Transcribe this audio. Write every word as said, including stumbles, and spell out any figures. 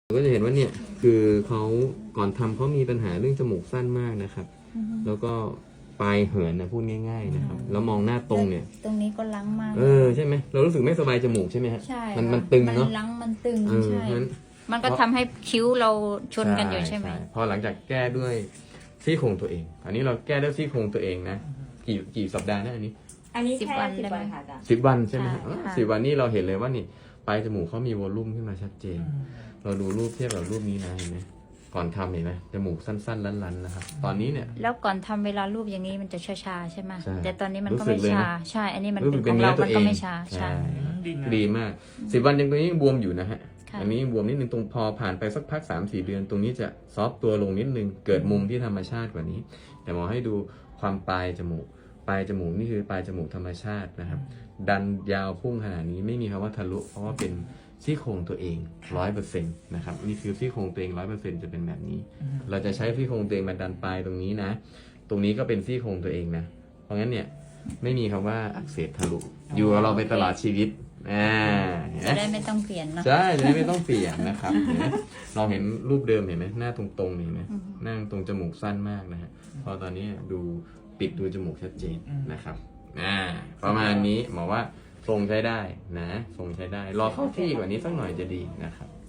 ก็จะเห็นว่าเนี่ยคือเขาก่อนทำเขามีปัญหาเรื่องจมูกสั้นมากนะครับ แล้วก็ปลายเหินนะพูดง่ายๆนะครับแล้วมองหน้าตรงเนี่ยตรงนี้ก็ล้างมากเออใช่ไหมเรารู้สึกไม่สบายจมูกใช่ไหมฮะใช่มันมันตึงเนาะมันล้างมันตึงใช่มันก็ทำให้คิ้วเราชนกันอยู่ใช่ไหมพอหลังจากแก้ด้วยซี่โครงตัวเองอันนี้เราแก้ด้วยซี่โครงตัวเองนะกี่กี่สัปดาห์นะอันนี้อันนี้แค่สิบวันค่ะจ้ะสิบวันใช่ไหมฮะสิบวันนี้เราเห็นเลยว่านี่ปลายจมูกเขามีวอลลุ่มขึ้นมาชัดเจนเราดูรูปเทียบกับรูปนี้นะเห็นไหมก่อนทำเห็นไหมจมูกสั้นๆลันๆนะครับตอนนี้เนี่ยแล้วก่อนทำเวลารูปอย่างนี้มันจะชาๆใช่ไหมแต่ตอนนี้มันก็ไม่ชาใช่อันนี้มันเป็นของเรามันก็ไม่ชาใช่ดีมากสิบวันยังตรงนี้ยังบวมอยู่นะฮะอันนี้ยังบวมนิดนึงตรงพอผ่านไปสักพัก สามสี่ เดือนตรงนี้จะซอฟตัวลงนิดนึงเกิดมุมที่ธรรมชาติกว่านี้แต่หมอให้ดูความปลายจมูกปลายจมูกนี่คือปลายจมูกธรรมชาตินะครับดันยาวพุ่งขนาดนี้ไม่มีคำว่าทะลุเพราะว่าเป็นซี่โครงตัวเอง ร้อยเปอร์เซ็นต์ นะครับนี่คือซี่โครงตัวเอง ร้อยเปอร์เซ็นต์ จะเป็นแบบนี้เราจะใช้ซี่โครงตัวเองมาดันปลายตรงนี้นะตรงนี้ก็เป็นซี่โครงตัวเองนะเพราะงั้นเนี่ยไม่มีคำว่าอักเสบทะลุอยู่กับเราไปตลอดชีวิตอ่าจะได้ไม่ต้องเปลี่ยนเนาะใช่จะได้ไม่ต้องเปลี่ยนนะครับเราเห็นรูปเดิมเห็นไหมหน้าตรงๆเห็นไหมหน้าตรงจมูกสั้นมากนะฮะพอตอนนี้ดูปิดดูจมูกชัดเจนนะครับอ่าประมาณนี้หมอว่าทรงใช้ได้นะทรงใช้ได้รอเข้าที่กว่านี้สักหน่อยจะดีนะครับ